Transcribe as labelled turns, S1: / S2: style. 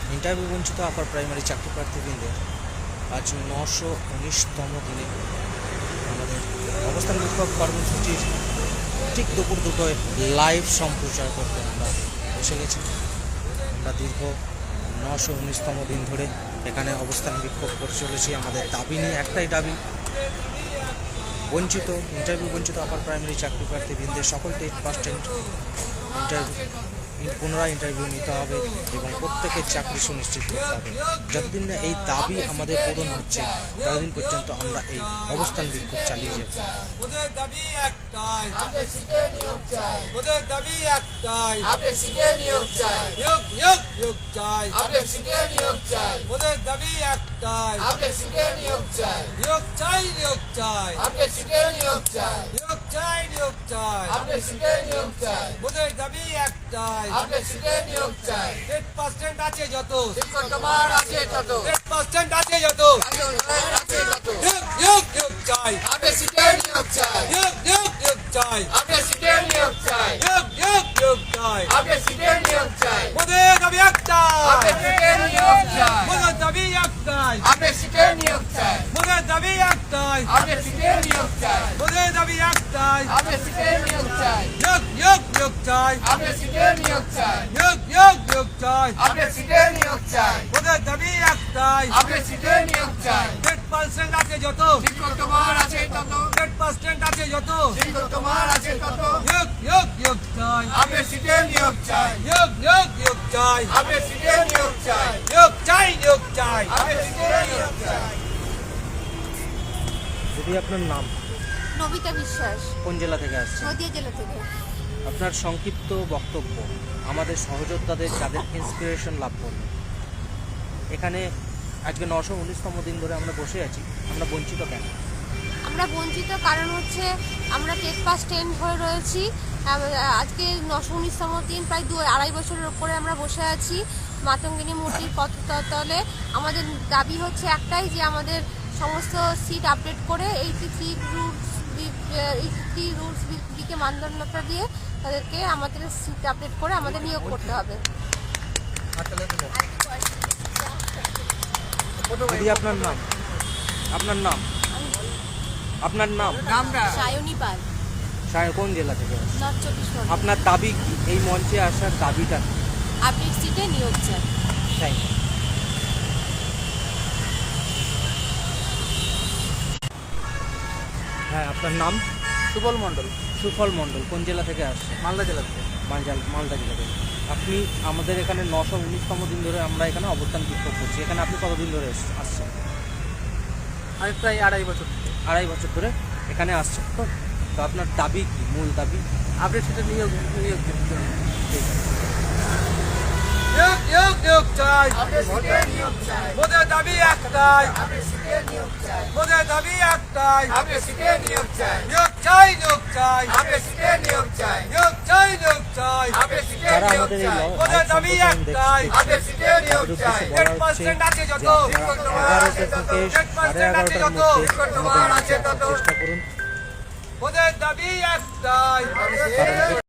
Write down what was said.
S1: Interview বঞ্চিত upper primary চাকরি প্রার্থীবৃন্দের আজ 919তম দিনে আমাদের অবস্থান বিক্ষোভ কর্মসূচির ঠিক দুপুর দুটোয় লাইভ সম্প্রচার করতে আমরা এসে গেছি। আমরা দীর্ঘ 919তম দিন ধরে এখানে অবস্থান বিক্ষোভ করে চলেছি। আমাদের দাবি নিয়ে একটাই দাবি, ইন্টারভিউ বঞ্চিত আপার প্রাইমারি চাকরি প্রার্থীবৃন্দের সকলকে 8% পুনরায় ইন্টারভিউ নিতে হবে এবং প্রত্যেকের চাকরি সুনিশ্চিত করতে হবে। যতদিন না এই দাবি আমাদের পূরণ হচ্ছে ততদিন পর্যন্ত আমরা এই অবস্থান বিক্ষোভ চালিয়ে যাব।
S2: আপনি সিটে নিয়োগ চাই।
S3: 8% আছে যত,
S2: তোমার আছে তত,
S3: 8% আছে যত,
S2: আছে তত।
S3: নিয়োগ চাই,
S2: আপনি সিটে নিয়োগ চাই।
S3: নিয়োগ চাই,
S2: আপনি সিটে নিয়োগ চাই।
S3: নিয়োগ চাই।
S2: আপনি সিটে নিয়োগ চাই।
S3: মোদের দাবি একটাই,
S2: আপনি সিটে নিয়োগ চাই।
S3: মোদের দাবি একটাই,
S2: আপনি সিটে নিয়োগ চাই।
S3: মোদের দাবি একটাই,
S2: আপনি সিটে নিয়োগ চাই।
S3: মোদের দাবি একটাই,
S2: আপনি সিটে নিয়োগ চাই।
S3: নিয়োগ চাই,
S2: আপনি সিটে নিয়োগ চাই।
S3: নিয়োগ চাই।
S2: আপনি সিটে নিয়োগ চাই।
S3: মোদের দাবি একটাই,
S2: আপনি সিটে নিয়োগ চাই।
S3: 8% আছে যত,
S2: তোমার আছে তত,
S3: 8% আছে যত,
S2: তোমার আছে তত।
S3: নিয়োগ চাই,
S2: আপনি সিটে নিয়োগ চাই।
S3: নিয়োগ চাই,
S2: আপনি সিটে নিয়োগ চাই।
S3: নিয়োগ চাই।
S2: আপনি সিটে নিয়োগ চাই।
S1: যদি আপনার নাম,
S4: নবিতা বিশ্বাস,
S1: কোন জেলা থেকে আসছে,
S4: নদিয়া জেলা থেকে।
S1: আপনার সংক্ষিপ্ত বক্তব্য আমাদের সহযোদ্ধাদের যাদের ইন্সপিরেশন লাভ করবে। এখানে আজকে 919তম দিন ধরে আমরা বসে আছি, আমরা বঞ্চিত কেন?
S4: আমরা বঞ্চিত কারণ হচ্ছে আমরা টেট পাস 10 হয়ে রয়েছি। আজকে 919তম দিন, প্রায় 2-2.5 বছরের উপরে আমরা বসে আছি মাতঙ্গিনী মূর্তির পথতলে। আমাদের দাবি হচ্ছে একটাই, যে আমাদের সমস্ত সিট আপডেট করে 83 রুলস বিকে মানদণ্ডটা দিয়ে তাদেরকে আমাদের সিট আপডেট করে আমাদের নিয়োগ করতে হবে।
S1: যদি আপনার নাম,
S4: সায়নী পাল,
S1: কোন জেলা থেকে আসছে?
S4: নর্থ 24 পরগনা।
S1: আপনার দাবি কি? এই মঞ্চে আসার দাবিটা কি?
S4: আপডেট সিটে নিয়োগ চাই।
S1: Thank you. হ্যাঁ, আপনার নাম?
S5: সুবল মণ্ডল,
S1: সুফল মণ্ডল, কোন জেলা থেকে আসছে?
S5: মালদা জেলা থেকে।
S1: মালদা জেলা থেকে। আপনি আমাদের এখানে 919তম দিন ধরে আমরা এখানে অবস্থান বিক্ষোভ করছি। এখানে আপনি কতদিন ধরে আসছেন?
S5: আমি প্রায় 2.5 বছর থেকে।
S1: 2.5 বছর ধরে এখানে আসছেন। তো আপনার দাবি কি, মূল দাবি?
S5: আপডেট সিটে নিয়োগ
S1: ঠিক আছে।
S3: নিয়োগ চাই।
S2: আপনি সিটে নিয়োগ চাই।
S3: মোদের দাবি একটাই,
S2: আপনি সিটে নিয়োগ চাই।
S3: মোদের দাবি একটাই,
S2: আপনি সিটে নিয়োগ চাই।
S3: নিয়োগ চাই।
S2: আপনি সিটে নিয়োগ চাই।
S3: নিয়োগ চাই।
S2: আপনি সিটে
S1: যারা
S2: নিয়োগ
S1: আমাদের এই
S2: চাই।
S3: ওদের দাবি একটাই,
S2: আপনি সিটে নিয়োগ
S1: তাদের
S2: চাই।
S1: উদ্দেশ্যে বলা হচ্ছে
S3: 8% আছে যত,
S1: যে আপনারা 11টা থেকে 11:30টার মধ্যে আমাদের মঞ্চে আসার চেষ্টা করুন।
S3: ওদের দাবি একটাই।
S1: কারণ